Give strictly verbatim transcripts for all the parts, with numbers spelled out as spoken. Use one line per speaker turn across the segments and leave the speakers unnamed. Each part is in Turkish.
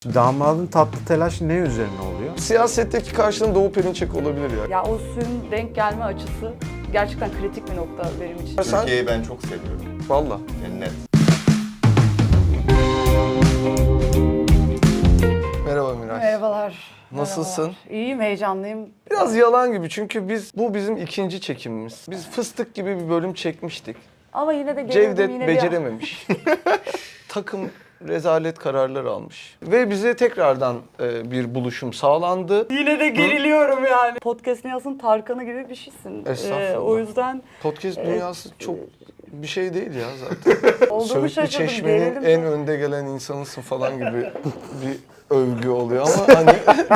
Damadın tatlı telaşı ne üzerine oluyor?
Siyasetteki karşılığın Doğu Perinçek olabilir ya.
Ya o suyun denk gelme açısı gerçekten kritik bir nokta benim için.
Sen-
Türkiye'yi ben çok seviyorum.
Valla.
Cennet.
Merhaba Miray.
Merhabalar.
Nasılsın?
Merhabalar. İyiyim, heyecanlıyım.
Biraz yalan gibi çünkü biz bu bizim ikinci çekimimiz. Biz fıstık gibi bir bölüm çekmiştik.
Ama yine de gerildim,
Cevdet
yine de-
becerememiş. Takım rezalet kararlar almış. Ve bize tekrardan e, bir buluşum sağlandı.
Yine de geriliyorum yani. Podcast Niyaz'ın Tarkan'ı gibi bir şeysin.
Estağfurullah.
Ee, o yüzden
Podcast dünyası çok bir şey değil ya zaten.
olduğumu
Söğütlü
şaşırdım,
Çeşme'nin
gerildim.
en önde gelen insanısın falan gibi bir övgü oluyor ama hani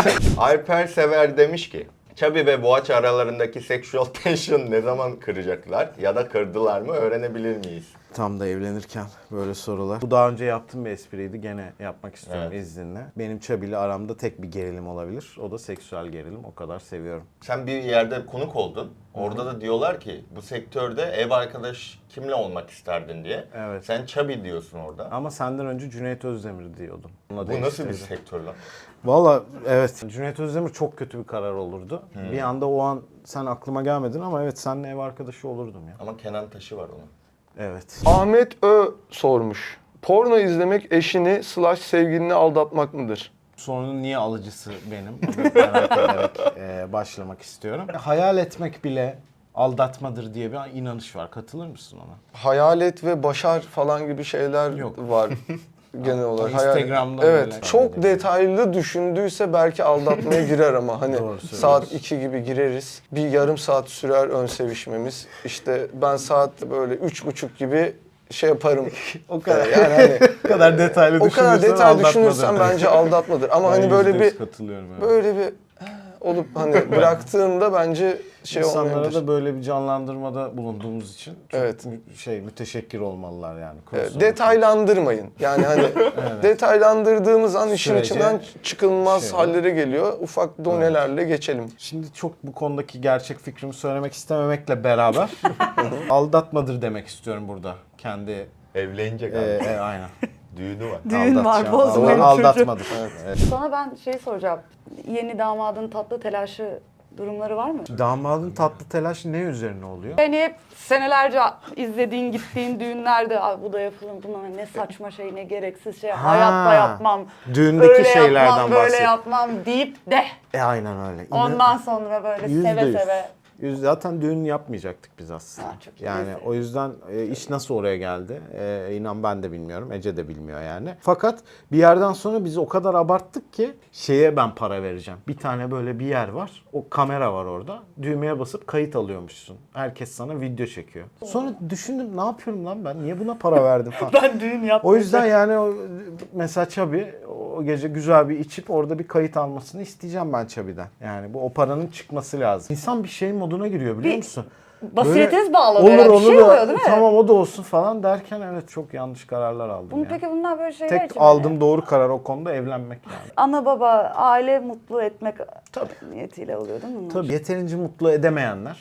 Alper Sever demiş ki, Chubby ve Boğaç aralarındaki sexual tension ne zaman kıracaklar ya da kırdılar mı öğrenebilir miyiz?
Tam da evlenirken böyle sorular. Bu daha önce yaptığım bir espriydi. Gene yapmak istiyorum
Evet.
izninle. Benim Çabi'yle aramda tek bir gerilim olabilir. O da seksüel gerilim. O kadar seviyorum.
Sen bir yerde konuk oldun. Orada da diyorlar ki bu sektörde ev arkadaş kimle olmak isterdin diye.
Evet.
Sen Chubby diyorsun orada.
Ama senden önce Cüneyt Özdemir diyordum. Ona
Bu nasıl bir
değiştirdim.
sektör lan?
Valla evet. Cüneyt Özdemir çok kötü bir karar olurdu. Bir anda o an sen aklıma gelmedin ama evet seninle ev arkadaşı olurdum ya.
Ama Kenan Taşı var onun.
Evet.
Ahmet Ö sormuş. Porno izlemek eşini slash sevgilini aldatmak mıdır?
Sorunun niye alıcısı benim? Onu merak ederek e, başlamak istiyorum. Hayal etmek bile aldatmadır diye bir inanış var. Katılır mısın ona?
Hayalet ve başar falan gibi şeyler
Yok.
var genel olarak.
Instagram'da
Hayal-
böyle
Evet. Çok detaylı düşündüyse belki aldatmaya girer ama hani
Doğru söylüyorsun.
saat iki gibi gireriz. Bir yarım saat sürer ön sevişmemiz. İşte ben saat böyle üç buçuk gibi şey yaparım.
O kadar.
Yani hani
O kadar detaylı
o kadar detay düşünürsen bence aldatmadır. Ama hani böyle bir
katılıyorum. Evet.
böyle bir olup hani bıraktığında bence şey
İnsanlara
olmayabilir.
da böyle bir canlandırmada bulunduğumuz için çok
Evet.
mü- şey müteşekkir olmalılar yani.
Evet,
Cross
detaylandırmayın. Yani hani detaylandırdığımız an işin
Sürece
içinden çıkılmaz
şey var.
hallere geliyor. Ufak donelerle geçelim.
Şimdi çok bu konudaki gerçek fikrimi söylemek istememekle beraber aldatmadır demek istiyorum burada. Kendi
Evlenecek
e,
abi.
e, aynen.
Düğünü var.
Düğün var,
Aldatacağım.
bozmayın
Aldat-
çocuğu.
Aldatmadır. Evet.
Sana ben şey soracağım. Yeni damadın tatlı telaşı durumları var mı?
Damadın tatlı telaşı ne üzerine oluyor?
Beni hep senelerce izlediğin, gittiğin düğünlerde "Ay bu da yapılır, bunlar ne saçma şey, ne gereksiz şey,
Ha,
hayatta yapmam,
düğündeki
öyle
şeylerden
yapmam, böyle
bahset.
yapmam" deyip de
E aynen öyle. İnan-
ondan sonra böyle
Yüzde
seve
yüz.
seve.
Yüz- Zaten düğün yapmayacaktık biz aslında.
Ha, çok iyi.
Yani o yüzden e, iş nasıl oraya geldi? E, inan ben de bilmiyorum. Ece de bilmiyor yani. Fakat bir yerden sonra biz o kadar abarttık ki şeye ben para vereceğim. Bir tane böyle bir yer var. O kamera var orada. Düğmeye basıp kayıt alıyormuşsun. Herkes sana video çekiyor. Sonra düşündüm ne yapıyorum lan ben? Niye buna para verdim falan.
Ben düğün yaptım.
O yüzden yani o, mesela Çabi o gece güzel bir içip orada bir kayıt almasını isteyeceğim ben Çabi'den. Yani bu o paranın çıkması lazım. İnsan bir şey moduna giriyor biliyor
Bir
musun?
Basiretiniz
Böyle,
bağlanıyor.
Olur
Bir
olur
şey
da,
oluyor değil mi?
tamam o da olsun falan derken evet çok yanlış kararlar aldım
Bunu
ya.
peki bunlar böyle şeyler
Tek
için
aldığım
mi?
doğru karar o konuda evlenmek yani.
Ana baba, aile mutlu etmek niyetiyle oluyor değil mi bunlar?
Tabii yeterince mutlu edemeyenler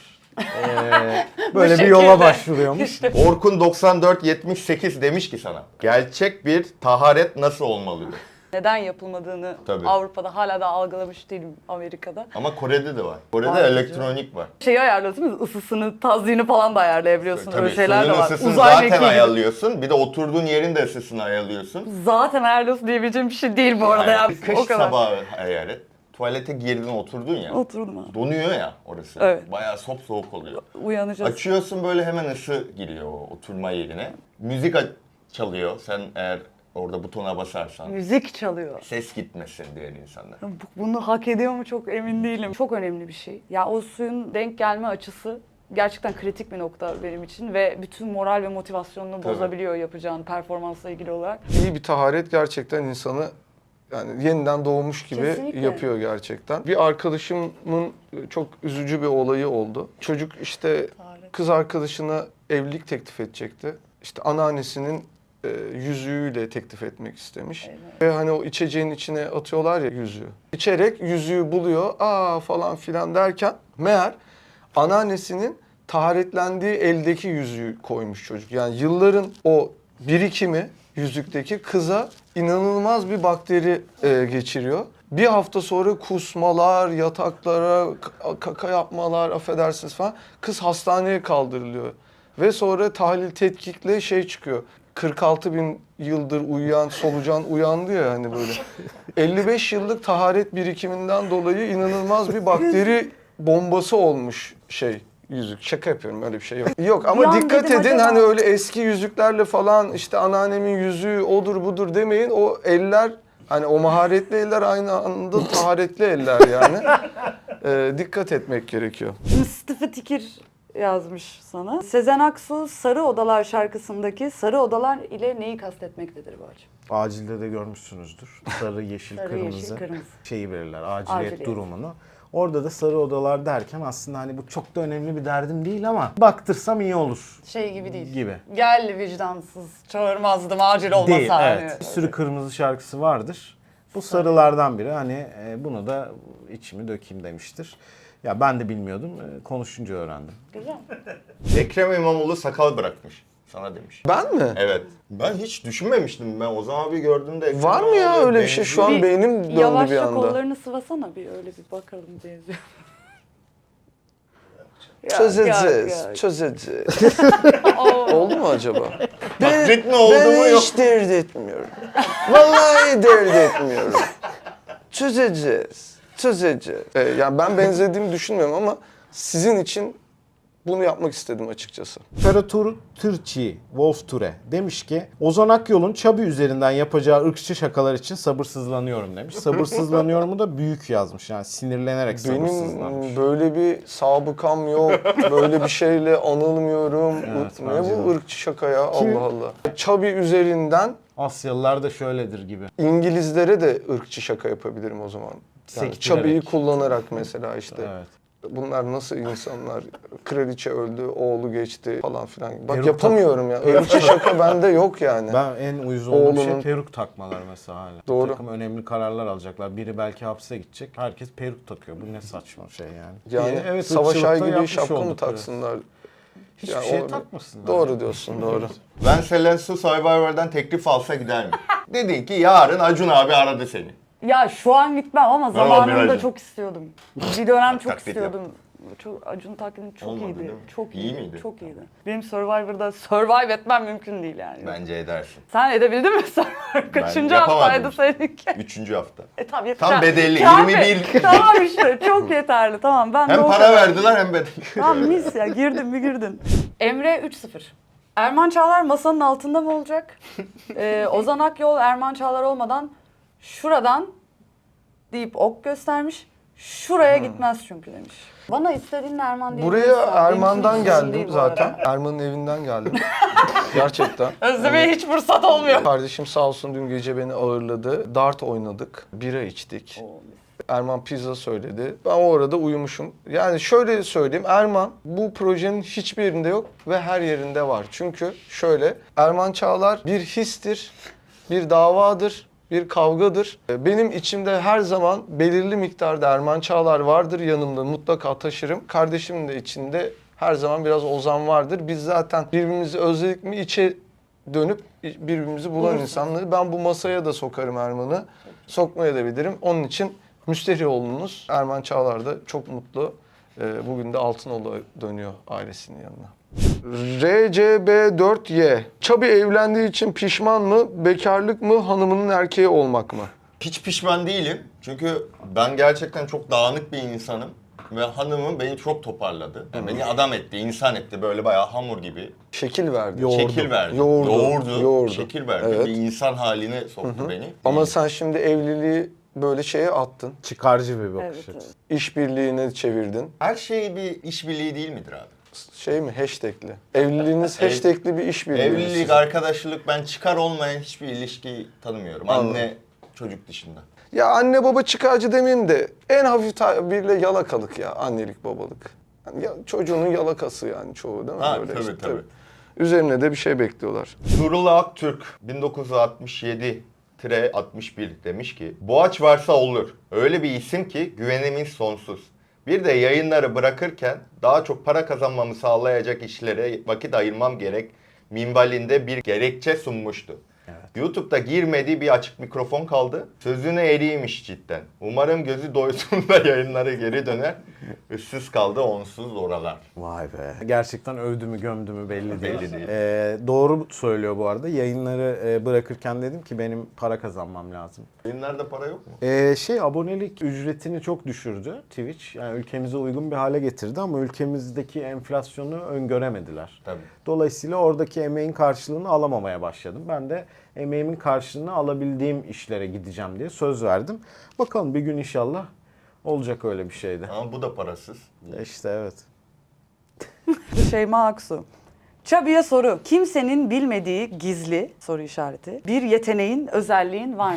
eee, böyle bir yola başvuruyormuş.
Orkun doksan dört yetmiş sekiz demiş ki sana, gerçek bir taharet nasıl olmalıdır?
Neden yapılmadığını
Tabii.
Avrupa'da hala da algılamış değilim, Amerika'da.
Ama Kore'de de var. Kore'de
Var.
elektronik var.
Şeyi ayarlıyorsunuz, ısısını, tazyini falan da ayarlayabiliyorsun.
Tabii
Öyle şeyler de
suyun
var.
ısısını
Uzay
zaten
mekiği gibi.
ayarlıyorsun. Bir de oturduğun yerin de ısısını ayarlıyorsun.
Zaten ayarlıyorsun diyebileceğim bir şey değil bu arada ya.
Bir kış
O kadar.
sabahı hayal et. Tuvalete girdin oturdun ya.
Oturdum ha.
Donuyor ya orası.
Evet.
Bayağı sop soğuk oluyor.
Uyanacağız.
Açıyorsun böyle hemen ısı giriyor o oturma yerine. Müzik aç- çalıyor. Sen eğer orada butona basarsan.
Müzik çalıyor.
Ses gitmesin diğer insanlar.
Bu- Bunu hak ediyor mu çok emin değilim. Çok önemli bir şey. Ya o suyun denk gelme açısı gerçekten kritik bir nokta benim için ve bütün moral ve motivasyonunu
Tabii.
bozabiliyor yapacağın performansla ilgili olarak.
İyi bir taharet gerçekten insanı yani yeniden doğmuş gibi
Kesinlikle.
yapıyor gerçekten. Bir arkadaşımın çok üzücü bir olayı oldu. Çocuk işte
Taharet.
kız arkadaşına evlilik teklif edecekti. İşte anneannesinin e, yüzüğüyle teklif etmek istemiş.
Evet.
Ve hani o içeceğin içine atıyorlar ya yüzüğü. İçerek yüzüğü buluyor. Aa falan filan derken meğer anneannesinin taharetlendiği eldeki yüzüğü koymuş çocuk. Yani yılların o birikimi yüzükteki kıza inanılmaz bir bakteri e, geçiriyor. Bir hafta sonra kusmalar, yataklara k- kaka yapmalar, affedersiniz falan. Kız hastaneye kaldırılıyor. Ve sonra tahlil tetkikle şey çıkıyor. kırk altı bin yıldır uyuyan solucan uyandı ya hani böyle. elli beş yıllık taharet birikiminden dolayı inanılmaz bir bakteri bombası olmuş şey yüzük. Şaka yapıyorum, öyle bir şey yok. Yok ama
Bir an
dikkat
dedim,
edin
acaba-
hani öyle eski yüzüklerle falan işte anneannemin yüzüğü odur budur demeyin. O eller hani o maharetli eller aynı anda taharetli eller yani. Ee, dikkat etmek gerekiyor.
Mustafa Tikir yazmış sana. Sezen Aksu Sarı Odalar şarkısındaki sarı odalar ile neyi kastetmektedir bu acı?
Acilde de görmüşsünüzdür. Sarı, yeşil,
Sarı,
kırmızı,
yeşil, kırmızı.
şeyi verirler. Aciliyet,
Aciliyet.
durumunu. Orada da sarı odalar derken aslında hani bu çok da önemli bir derdim değil ama baktırsam iyi olur.
Şey gibi değil.
Gibi.
Gel vicdansız, çağırmazdım acil olmasa.
Değil,
hani.
evet. Bir sürü kırmızı şarkısı vardır. Bu sarılardan biri. Hani e, bunu da içimi dökeyim demiştir. Ya ben de bilmiyordum. E, konuşunca öğrendim.
Güzel.
Ekrem İmamoğlu sakal bırakmış. Sana demiş.
Ben mi?
Evet. Ben hiç düşünmemiştim. Ben Ozan abi gördüğümde Ekrem
Var mı ya
İmamoğlu
öyle bir şey? Şu an
benziyor.
beynim döndü bir
Yavaşça
anda.
kollarını sıvasana bir öyle bir bakalım benziyor. Yok,
Çözeceğiz,
yok, yok.
çözeceğiz.
Oo.
Oldu mu acaba?
Taklit mi oldu
ben
mu yok?
hiç dert etmiyorum. Vallahi dert etmiyorum. Çözeceğiz, çözeceğiz. Ee, yani ben benzediğimi düşünmüyorum ama sizin için bunu yapmak istedim açıkçası.
Ferratur Türkçi Wolf Ture demiş ki Ozan Akyol'un Çabi üzerinden yapacağı ırkçı şakalar için sabırsızlanıyorum demiş. Sabırsızlanıyorumu da büyük yazmış yani sinirlenerek sabırsızlanmış.
Benim böyle bir sabıkam yok, böyle bir şeyle anılmıyorum.
Evet,
ne
bence
bu
de.
ırkçı şaka ya,
Kim?
Allah Allah. Çabi üzerinden
Asyalılar da şöyledir gibi.
İngilizlere de ırkçı şaka yapabilirim o zaman. Yani
Sektirerek.
Çabi'yi kullanarak mesela işte.
Evet.
Bunlar nasıl insanlar? Kraliçe öldü, oğlu geçti falan filan. Bak
Peruk
yapamıyorum ya. Irkçı şaka bende yok yani.
Ben en uyuz olduğum şey
Oğlunun-
peruk takmalar mesela hala.
Doğru.
Bir takım önemli kararlar alacaklar. Biri belki hapse gidecek. Herkes peruk takıyor. Bu ne saçma şey yani.
Yani
Ee, evet,
Savaş
ırkçılıkta
Ay gibi
yapmış
şapka mı
oldukları.
taksınlar?
Hiçbir
Yani
şey
o-
takmasınlar.
Doğru
yani.
diyorsun, doğru.
Ben Selensu Survivor'dan teklif alsa gider mi? Dedin ki yarın Acun abi aradı seni.
Ya şu an gitmem ama
Merhaba,
zamanında
Miracım.
çok istiyordum. Bir dönem çok
Taklit
istiyordum. Çok Acun taklidi çok
Olmadı
iyiydi.
değil mi?
Çok
İyi
iyiydi.
miydi?
Çok iyiydi. Benim Survivor'da survive etmem mümkün değil yani.
Bence edersin.
Sen edebildin mi Survivor? Kaçıncı
yapamadım
haftaydı
işte.
seninki?
Üçüncü hafta.
E tamam yeter.
Tam bedelli,
Kafi.
yirmi bir.
Tamam işte çok yeterli. Tamam ben de
Hem
o
para
kadar.
verdiler hem bedelli.
Tamam mis ya girdin mi girdin. Emre üç sıfır. Erman Çağlar masanın altında mı olacak? Ee, Ozan Akyol Erman Çağlar olmadan şuradan deyip ok göstermiş. Şuraya gitmez çünkü demiş. Bana istediğin Erman diye
Buraya Erman'dan geldim zaten. Erman'ın evinden geldim. Gerçekten.
Özlemeye hiç fırsat olmuyor.
Kardeşim sağ olsun dün gece beni ağırladı. Dart oynadık, bira içtik. Erman pizza söyledi. Ben o arada uyumuşum. Yani şöyle söyleyeyim, Erman bu projenin hiçbirinde yok ve her yerinde var. Çünkü şöyle, Erman Çağlar bir histir, bir davadır, bir kavgadır. Benim içimde her zaman belirli miktarda Erman Çağlar vardır, yanımda mutlaka taşırım. Kardeşimin de içinde her zaman biraz Ozan vardır. Biz zaten birbirimizi özledik mi içe dönüp birbirimizi bulan
Bulursun.
insanları. Ben bu masaya da sokarım Erman'ı. Sokmaya da bilirim. Onun için Müsterioğlu'nuz Erman Çağlar da çok mutlu. Ee, bugün de Altınoğlu dönüyor ailesinin yanına. R C B dört Y. Çabi evlendiği için pişman mı? Bekarlık mı? Hanımının erkeği olmak mı?
Hiç pişman değilim. Çünkü ben gerçekten çok dağınık bir insanım. Ve hanımım beni çok toparladı. Yani beni adam etti, insan etti. Böyle bayağı hamur gibi.
Şekil verdi.
Yoğurdu.
Şekil verdi.
Yoğurdu.
Yoğurdu.
Yoğurdu.
Şekil verdi.
Evet.
Bir insan haline soktu beni.
Ama sen şimdi evliliği böyle şeye attın.
Çıkarcı bir bakış
Evet,
açısı.
evet.
İşbirliğine çevirdin.
Her şey bir işbirliği değil midir abi?
Şey mi? Hashtagli. Evliliğiniz
Ev-
hashtagli bir işbirliği.
Evlilik, arkadaşlık, ben çıkar olmayan hiçbir ilişki tanımıyorum.
Anladım.
Anne, çocuk dışında.
Ya anne baba çıkarcı demeyeyim de en hafif tabirle yalakalık ya annelik babalık. Yani ya, çocuğunun yalakası yani çoğu değil mi?
Ha,
Böyle
tabii,
işte,
tabii.
Üzerine de bir şey bekliyorlar.
Nurullah Aktürk bin dokuz yüz altmış yedi altmış bir demiş ki Boğaç varsa olur. Öyle bir isim ki güvenimiz sonsuz. Bir de yayınları bırakırken daha çok para kazanmamı sağlayacak işlere vakit ayırmam gerek minvalinde bir gerekçe sunmuştu.
Evet.
YouTube'da girmediği bir açık mikrofon kaldı. Sözüne eriymiş cidden. Umarım gözü doyduğunda yayınlara geri döner. Issız kaldı onsuz oralar.
Vay be. Gerçekten övdü mü gömdü mü belli değil.
Belli değil.
Ee, doğru söylüyor bu arada. Yayınları e, bırakırken dedim ki benim para kazanmam lazım.
Yayınlarda para yok mu?
Ee, şey abonelik ücretini çok düşürdü Twitch. Yani ülkemize uygun bir hale getirdi ama ülkemizdeki enflasyonu öngöremediler.
Tabii.
Dolayısıyla oradaki emeğin karşılığını alamamaya başladım. Ben de emeğimin karşılığını alabildiğim işlere gideceğim diye söz verdim. Bakalım bir gün inşallah olacak öyle bir şeyde.
Ama bu da parasız.
İşte evet.
Şeyma Aksu. Çabi'ye soru. Kimsenin bilmediği gizli soru işareti. Bir yeteneğin, özelliğin var mı?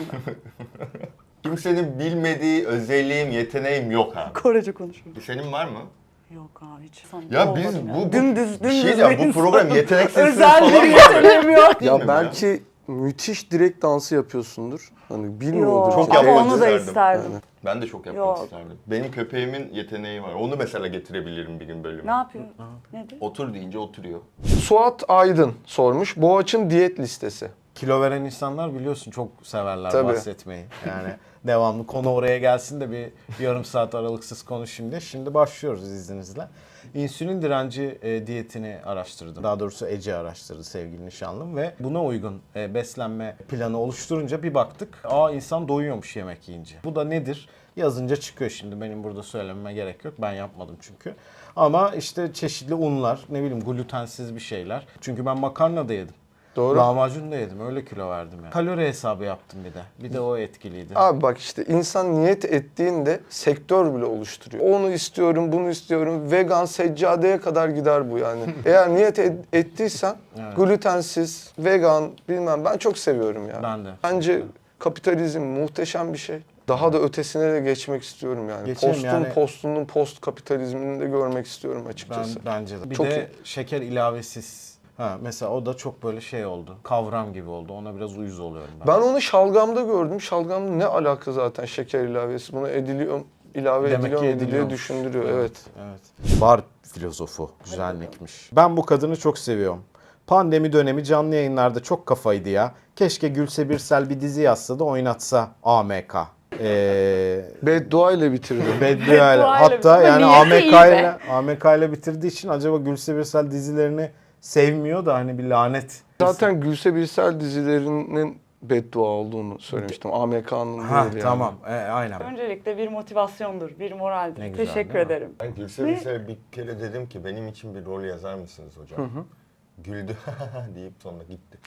Kimsenin bilmediği özelliğim, yeteneğim yok abi.
Korece konuşuyor.
Senin var mı?
Yok abi hiç. Sana
Ya
olmadım
biz
ya.
bu, bu
dümdüz
bir
dümdüz
şey ya,
bir
bu
insan.
program yeteneksiz
Özel
falan
bir
mı?
yeteneğim yok.
Değil mi
Ya
bu
belki müthiş direkt dansı yapıyorsundur. Hani bilmiyordur.
Yok
Çok
ama
yapmak
onu da
isterdim.
isterdim.
Yani.
Ben de çok yapmak
Yok.
isterdim. Benim köpeğimin yeteneği var. Onu mesela getirebilirim bir gün bölüme.
Ne yapıyor? Nedir?
Otur deyince oturuyor.
Suat Aydın sormuş. Boğaç'ın diyet listesi.
Kilo veren insanlar biliyorsun çok severler
Tabii.
bahsetmeyi. Yani devamlı konu oraya gelsin de bir yarım saat aralıksız konuşayım diye. Şimdi başlıyoruz izninizle. İnsülin direnci e, diyetini araştırdım. Daha doğrusu Ece araştırdı sevgili nişanlım ve buna uygun e, beslenme planı oluşturunca bir baktık. Aa insan doyuyormuş yemek yiyince. Bu da nedir? Yazınca çıkıyor şimdi. Benim burada söylememe gerek yok. Ben yapmadım çünkü. Ama işte çeşitli unlar, ne bileyim glutensiz bir şeyler. Çünkü ben makarna da yedim.
Doğru.
Lahmacun da yedim. Öyle kilo verdim yani. Kalori hesabı yaptım bir de. Bir de o etkiliydi.
Abi bak işte insan niyet ettiğinde sektör bile oluşturuyor. Onu istiyorum, bunu istiyorum. Vegan, seccadeye kadar gider bu yani. Eğer niyet et- ettiysen
Evet.
glutensiz, vegan bilmem ben çok seviyorum ya.
Ben de.
Bence kapitalizm muhteşem bir şey. Daha da ötesine de geçmek istiyorum yani.
Geçelim
Postun
yani.
postunun post kapitalizmini de görmek istiyorum
Ben
açıkçası.
bence de. Bir
Çok
de
iyi.
şeker ilavesiz. Ha mesela o da çok böyle şey oldu. Kavram gibi oldu. Ona biraz uyuz oluyorum ben.
Ben onu şalgamda gördüm. Şalgamda ne alaka zaten şeker ilavesi? Buna ediliyor, ilave
Demek
ediliyor
ki
mu diye
ediliyormuş.
düşündürüyor. Evet.
Evet. Bar filozofu. Güzellikmiş. Ben bu kadını çok seviyorum. Pandemi dönemi canlı yayınlarda çok kafaydı ya. Keşke Gülse Birsel bir dizi yazsa da oynatsa A M K. Eee...
Beddua ile bitirdi.
Beddua
Beddua ile
hatta
bitirdi.
yani
Niyeti
A M
iyi
K
be.
ile A M K ile bitirdiği için acaba Gülse Birsel dizilerini sevmiyor da hani bir lanet.
Zaten Gülse Birsel dizilerinin beddua olduğunu söylemiştim. A M K'nın
Ha
değil yani.
tamam. E, aynen.
Öncelikle bir motivasyondur, bir moraldir.
Ne güzel,
Teşekkür
değil mi?
ederim.
Ben Gülse Birsel'e bir kere dedim ki benim için bir rol yazar mısınız hocam? Güldü deyip sonra gitti.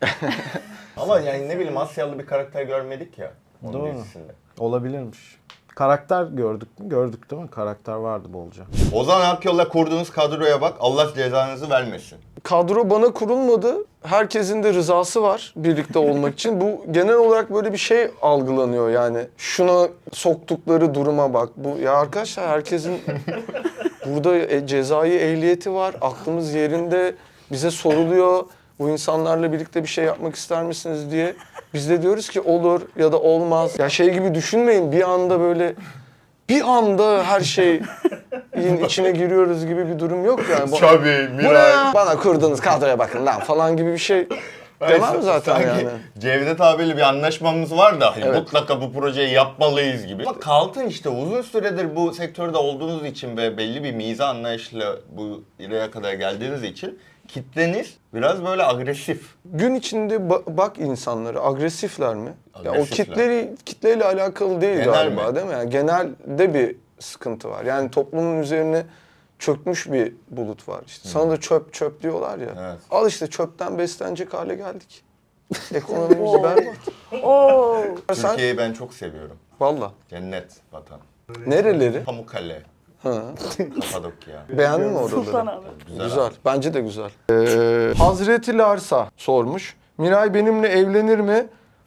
Ama yani ne bileyim Asyalı bir karakter görmedik ya onun
Doğru.
dizisinde.
Olabilirmiş. Karakter gördük mü? Gördük değil mi? Karakter vardı bolca.
Ozan Akyol'la kurduğunuz kadroya bak Allah cezanızı vermesin.
Kadro bana kurulmadı. Herkesin de rızası var birlikte olmak için. Bu genel olarak böyle bir şey algılanıyor yani. Şuna soktukları duruma bak. Bu ya arkadaşlar herkesin burada e, cezai ehliyeti var. Aklımız yerinde. Bize soruluyor. Bu insanlarla birlikte bir şey yapmak ister misiniz diye. Biz de diyoruz ki olur ya da olmaz. Ya şey gibi düşünmeyin bir anda böyle bir anda her şeyin içine giriyoruz gibi bir durum yok yani. Bu,
Tabii
bu ne ya? Bana kurduğunuz kadroya bakın lan falan gibi bir şey demem zaten
Sanki
yani.
Cevdet abiyle bir anlaşmamız var da
Evet.
mutlaka bu projeyi yapmalıyız gibi. Ama kalkın işte uzun süredir bu sektörde olduğunuz için ve belli bir miza anlayışla bu yere kadar geldiğiniz için kitleniz biraz böyle agresif.
Gün içinde ba- bak insanları agresifler mi? Ya o
Agresifler.
kitleri kitleyle alakalı değil
Genel
galiba
mi?
değil mi? Yani genelde bir sıkıntı var. Yani toplumun üzerine çökmüş bir bulut var. İşte sana da çöp çöp diyorlar ya.
Evet.
Al işte çöpten beslenecek hale geldik. Ekonomimiz berbat.
Oo.
Sen
Türkiye'yi ben çok seviyorum.
valla.
Cennet vatan.
Nereleri?
Pamukkale,
Ha.
Kapadokya.
Beğendin mi oraları?
Sultanahmet.
Güzel.
Güzel. Bence de güzel. Ee, Hazreti Larsa sormuş. Miray benimle evlenir mi?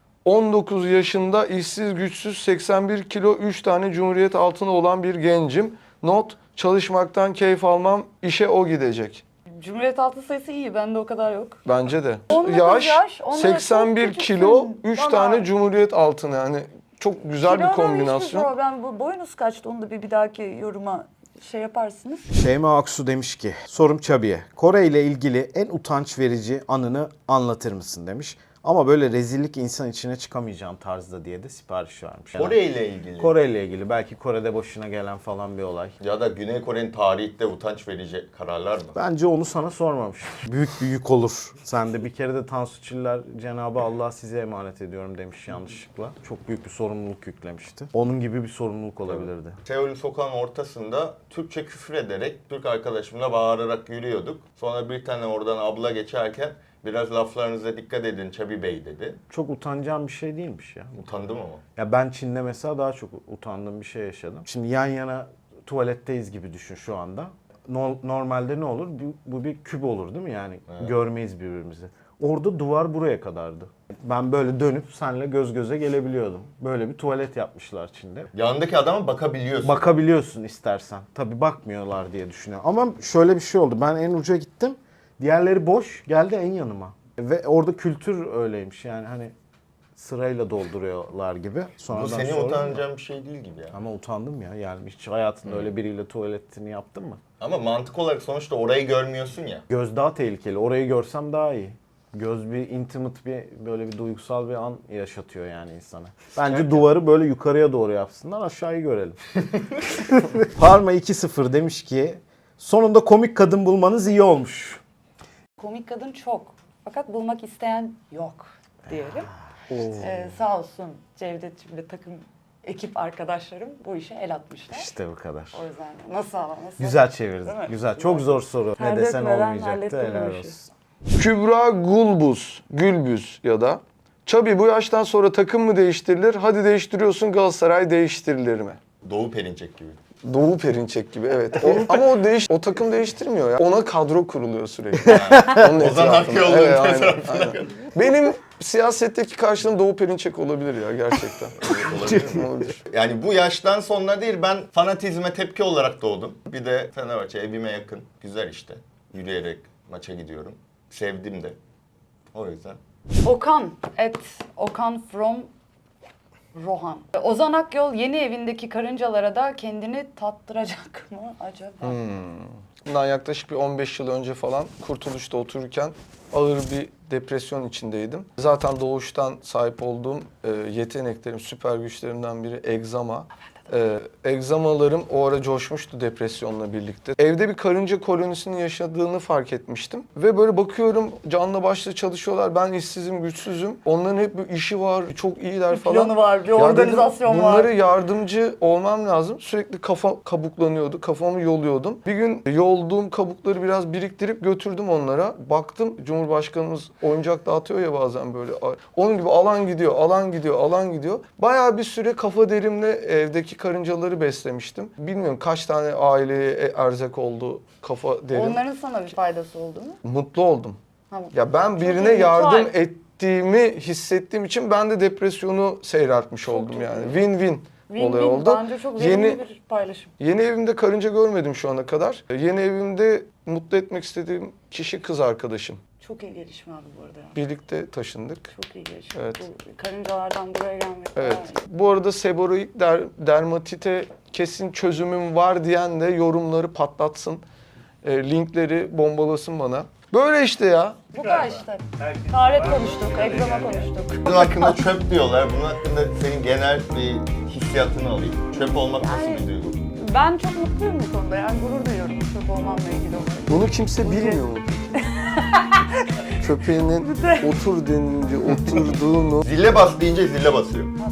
on dokuz yaşında işsiz güçsüz seksen bir kilo üç tane Cumhuriyet altını olan bir gencim. Not çalışmaktan keyif almam işe o gidecek.
Cumhuriyet altın sayısı iyi, bende o kadar yok.
Bence de.
on dokuz
Yaş,
yaş, onlara
seksen bir
çok
kilo
küçüksün.
üç
Bana-
tane Cumhuriyet altını yani çok güzel bir
Kilodan hiçbir
kombinasyon.
problem. Bu boyunuz kaçtı? Onu da bir, bir dahaki yoruma şey yaparsınız.
Şeyma Aksu demiş ki, sorum Çabi'ye. Kore ile ilgili en utanç verici anını anlatır mısın demiş. Ama böyle rezillik insan içine çıkamayacağım tarzda diye de sipariş vermiş.
Kore ile ilgili.
Kore ile ilgili. Belki Kore'de başına gelen falan bir olay.
Ya da Güney Kore'nin tarihte utanç verici kararlar mı?
Bence onu sana sormamış. Büyük bir yük olur. Sen de bir kere de Tansu Çiller Cenab-ı Allah size emanet ediyorum demiş yanlışlıkla. Çok büyük bir sorumluluk yüklemişti. Onun gibi bir sorumluluk olabilirdi.
Seul'ün sokağın ortasında Türkçe küfür ederek Türk arkadaşımla bağırarak yürüyorduk. Sonra bir tane oradan abla geçerken biraz laflarınıza dikkat edin Çabi Bey dedi.
Çok utanacağım bir şey değilmiş ya.
Utandım ama.
Ya ben Çin'de mesela daha çok utandığım bir şey yaşadım. Şimdi yan yana tuvaletteyiz gibi düşün şu anda. No- normalde ne olur? Bu, bu bir küp olur değil mi? Yani
Evet.
görmeyiz birbirimizi. Orada duvar buraya kadardı. Ben böyle dönüp seninle göz göze gelebiliyordum. Böyle bir tuvalet yapmışlar Çin'de.
Yanındaki adama bakabiliyorsun.
Bakabiliyorsun istersen. Tabii bakmıyorlar diye düşünüyorum. Ama şöyle bir şey oldu. Ben en uca gittim. Diğerleri boş. Geldi en yanıma. Ve orada kültür öyleymiş. Yani hani sırayla dolduruyorlar gibi. Sonradan
Bu senin
sonra-
utanacağın bir şey değil gibi ya.
Ama utandım ya. Yani hiç hayatında öyle biriyle tuvaletini yaptın mı?
Ama mantık olarak sonuçta orayı görmüyorsun ya.
Göz daha tehlikeli. Orayı görsem daha iyi. Göz bir intimate bir böyle bir duygusal bir an yaşatıyor yani insana. Bence duvarı böyle yukarıya doğru yapsınlar, aşağıyı görelim. Parma iki sıfır demiş ki sonunda komik kadın bulmanız iyi olmuş.
Komik kadın çok. Fakat bulmak isteyen yok diyelim. Ee, sağ olsun Cevdet'cim ve takım ekip arkadaşlarım bu işe el atmışlar.
İşte bu kadar.
O yüzden nasıl ama nasıl?
Güzel
Değil
çevirdin.
mi?
Güzel. Çok zor soru.
Ter
Ne desen
dökmeden
olmayacaktı.
hallettim bu
Helal
işi.
olsun.
Kübra Gulbuz, Gülbüz ya da Çabi bu yaştan sonra takım mı değiştirilir? Hadi değiştiriyorsun Galatasaray değiştirilir mi?
Doğu Perinçek gibi.
Doğu Perinçek gibi evet. O, ama o değiş o takım değiştirmiyor ya. Ona kadro kuruluyor sürekli. Onun
Ozan
etrafında.
Akyol'un
Evet, aynen,
etrafına.
aynen. Benim siyasetteki karşılığım Doğu Perinçek olabilir ya gerçekten.
Olabilir mi?
Olabilir.
Yani bu yaştan sonra değil, ben fanatizme tepki olarak doğdum. Bir de Fenerbahçe evime yakın. Güzel işte. Yürüyerek maça gidiyorum. Sevdim de. O yüzden.
Okan, et Okan from Rohan. Ozan Akyol yeni evindeki karıncalara da kendini tattıracak mı acaba?
Bundan yaklaşık bir on beş yıl önce falan Kurtuluş'ta otururken ağır bir depresyon içindeydim. Zaten doğuştan sahip olduğum e, yeteneklerim, süper güçlerimden biri egzama. E, egzamalarım o ara coşmuştu depresyonla birlikte. Evde bir karınca kolonisinin yaşadığını fark etmiştim. Ve böyle bakıyorum canla başla çalışıyorlar. Ben işsizim, güçsüzüm. Onların hep bir işi var, çok iyiler falan.
Planı var, bir
Ya dedim,
organizasyon var.
bunlara yardımcı olmam lazım. Sürekli kafa kabuklanıyordu. Kafamı yoluyordum. Bir gün yolduğum kabukları biraz biriktirip götürdüm onlara. Baktım Cumhurbaşkanımız oyuncak dağıtıyor ya bazen böyle. Onun gibi alan gidiyor, alan gidiyor, alan gidiyor. Bayağı bir süre kafa derimle evdeki karıncaları beslemiştim. Bilmiyorum kaç tane aileye erzak oldu kafa derim.
Onların sana bir faydası oldu mu?
Mutlu oldum.
Ha,
Ya ben
çok
birine
iyi,
yardım
mutual.
ettiğimi hissettiğim için ben de depresyonu seyreltmiş oldum
iyi.
yani. Win-win olay
Win-win.
oldu.
Bence çok verimli
Yeni
bir paylaşım.
yeni evimde karınca görmedim şu ana kadar. Yeni evimde mutlu etmek istediğim kişi kız arkadaşım.
Çok iyi gelişme abi bu arada. ya.
Birlikte taşındık.
Çok iyi gelişme.
Evet.
Bu karıncalardan buraya gelmek.
Evet.
bayağı iyi.
Bu arada seboroid der- dermatite kesin çözümüm var diyen de yorumları patlatsın. E, linkleri bombalasın bana. Böyle işte ya.
Bu kadar işte. Taharet konuştuk, egzama konuştuk.
Bunun hakkında çöp diyorlar. Bunun hakkında senin genel bir hissiyatını alayım. Çöp olmak nasıl bir duygu?
Ben çok mutluyum bu konuda. Yani gurur duyuyorum çöp olmamla ilgili olarak.
Bunu kimse bilmiyor mu? Köpeğinin otur denince oturduğunu
Zile bas deyince zile basıyor.